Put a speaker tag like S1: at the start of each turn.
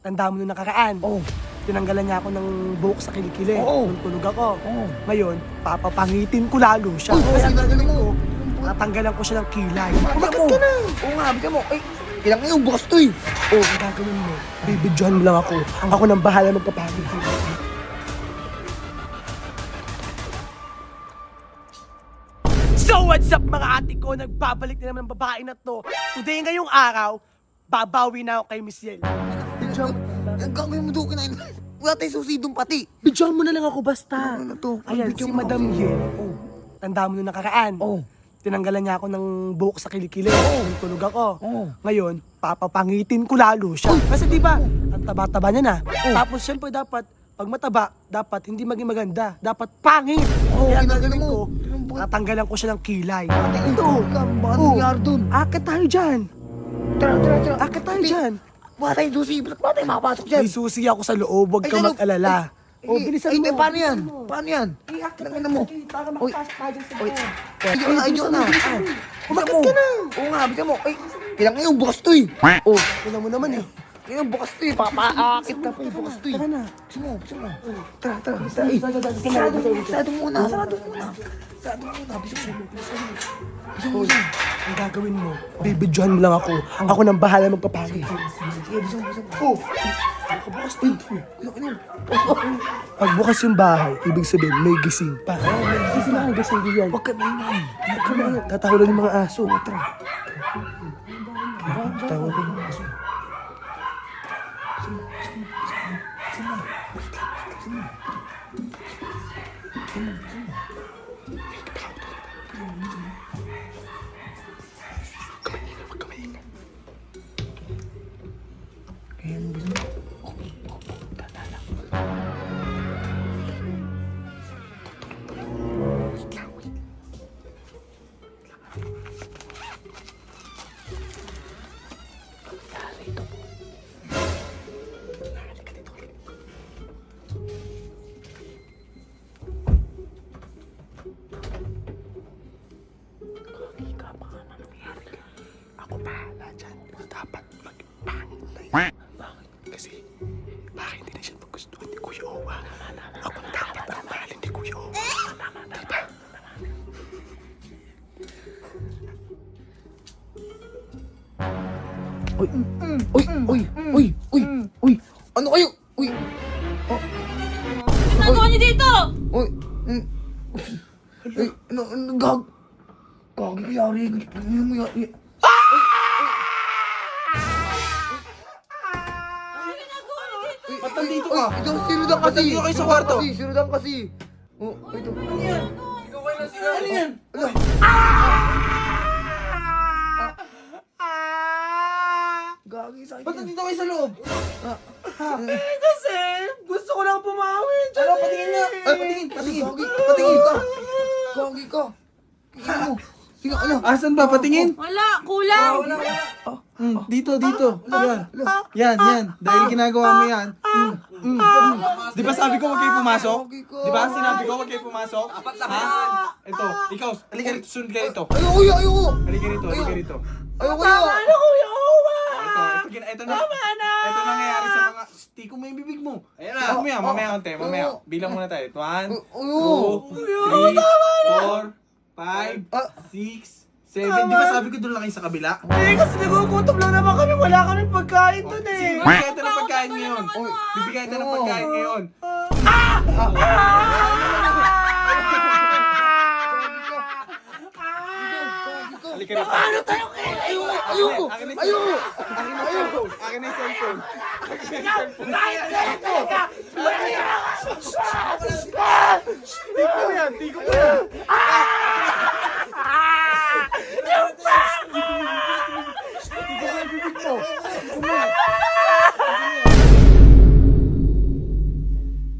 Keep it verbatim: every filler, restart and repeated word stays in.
S1: Tanda mo nung nakaraan.
S2: Oo.
S1: Tinanggalan niya ako ng buhok sa kilikili.
S2: Oo.
S1: Nung tulog ako.
S2: Oo.
S1: Ngayon, papapangitin ko lalo siya.
S2: Uy,
S1: Kaya
S2: kasi
S1: gagawin
S2: mo.
S1: ko, tatanggalan ko siya ng kilay.
S2: Bakit ka na? Oo nga, bigyan mo. Ay, kailangan yung bukas to eh.
S1: Oo, ang gagawin mo, bibidyohan mo lang ako. Ako nang bahala magpapagod. So what's up mga ate ko? Nagbabalik na naman ang babae na to. Today ngayong araw, babawi na ako kay Miss Yel. Bidyohan
S2: Ang gagawin mo doon kinain. Wala tayong susi doon pati.
S1: bidyohan mo na lang ako basta.
S2: Ano na to?
S1: Ayan,
S2: Bidyohan
S1: si
S2: mo
S1: Madam
S2: ako.
S1: Yel.
S2: Oo.
S1: Tanda mo nung nakaraan.
S2: Oo.
S1: Tinanggalan niya ako ng buhok sa kilikili.
S2: Oo.
S1: Nung tulog ako.
S2: Oo.
S1: Ngayon, papapangitin ko lalo siya. Kasi di ba, ang taba-taba niya na.
S2: Oo.
S1: Tapos syempre dapat, pag mataba, dapat hindi maging maganda. Dapat pangit.
S2: Oo,
S1: Kaya ang
S2: ginagano
S1: gagawin
S2: mo.
S1: ko,
S2: Anong bukas?
S1: tatanggalan ko siya ng kilay.
S2: Ito. Baka
S1: Oo.
S2: nangyari doon.
S1: Akit tayo dyan.
S2: Tara, tara, tara.
S1: Akit tayo dyan.
S2: Wala tayong susi. Wala tayong makapasok dyan.
S1: May susi ako sa loob, huwag
S2: Ay,
S1: kang
S2: ano?
S1: mag-alala.
S2: Ay,
S1: Oh,
S2: ay,
S1: bilisan
S2: ay,
S1: mo.
S2: ay, paano yan?
S1: bilisan mo.
S2: Paano yan?
S1: Ay, akit
S2: Tangina
S1: tayo
S2: mo.
S1: sa gate para
S2: Uy.
S1: makapasok tayo dyan sa
S2: Uy.
S1: loob.
S2: Ayun na, ayun na.
S1: bilisan mo.
S2: Umakit
S1: Umakit ka na.
S2: Oo nga, bigyan mo. Ay, kailangan yung bukas to eh.
S1: Oh, tingnan mo naman eh.
S2: Kailangan yung bukas to eh. Papaakit na po yung bukas to eh.
S1: Tara na.
S2: Gusto mo, gusto mo. Tara, tara. Tara, eh. Sarado muna, sarado muna, sarado muna. Sarado muna, gusto mo.
S1: Hoy, ang gagawin mo, bibidyohan mo lang ako. Ako nang bahala magpapagod.
S2: Sige, gusto mo, gusto mo.
S1: Oh, nakabukas din to eh.
S2: Ano, ano?
S1: Pag bukas yung bahay, ibig sabihin may gising pa. Oh, may gising na, gising din yan.
S2: Huwag ka maingay.
S1: Huwag ka na, tatahulan yung mga aso. Tara. Tatahulan yung mga aso. Ako bahala dyan. Dapat magpangit na yun. Bakit? Kasi, baka hindi na siya magustuhan ni Kuya Owa. Ako dapat ang mahalin ni Kuya Owa. Diba?
S2: Uy, uy, uy, uy, uy, uy. Ano kayo? Uy.
S3: Ginagawa niyo dito?
S2: Uy. mm. Uy, ano, ano, gag. Gag, yari. Ano mo yari?
S3: Ano ginagawa niyo dito?
S2: Ba't nandito ka? Uy, ikaw, sinudan kasi.
S1: nandito kayo sa kwarto?
S2: Kasi, sinudan kasi. Oh, ito. Ano yan?
S1: Ano yan?
S2: Ano? Gagi, sakit
S1: Ba't
S2: yan.
S1: nandito kayo sa loob?
S2: Ah,
S1: Eh, kasi gusto ko lang pumawi. Ano, patingin niya.
S2: Ay, patingin, patingin. Gagi, patingin ka. Gagi ka. Tingin mo. Tingin, ano?
S4: Asan ba? Patingin?
S3: Wala, kulang.
S4: Mm, dito, dito. Yan. Yan, yan. Dahil ginagawa mo yan. Mm, mm, mm. Di ba sabi ko huwag kayo pumasok? Di ba sinabi ko huwag kayo pumasok? Ha? Ito, ikaw, halika rito, sunod ka rito.
S2: Ayoko, ayoko, ayoko.
S4: Halika rito, halika rito.
S2: Ayoko, ayoko.
S1: Ano, Kuya Owa?
S4: Ito, ito, gina- ito na. Ito nangyayari sa mga, tiko mo yung bibig mo. Ayan na. Mamaya, mamaya konti, mamaya. Bilang muna tayo. One, two, three, four, five,
S2: Ah.
S4: six, seven. Di ba sabi ko doon lang kayo sa kabila?
S1: Eh, kasi nagugutom lang naman kami. Wala kami pagkain dun eh.
S4: Bibigyan tayo ng pagkain ngayon. Bibigyan tayo ng pagkain ngayon. Halika rito.
S2: Ano tayo kaya? Ayoko, ayoko,
S4: Akin na yung
S2: ayoko.
S4: Akin na yung cellphone. Akin na yung cellphone. Akin na yung cellphone. Tiko yan, tiko mo yan. Tiko mo yung bibig mo.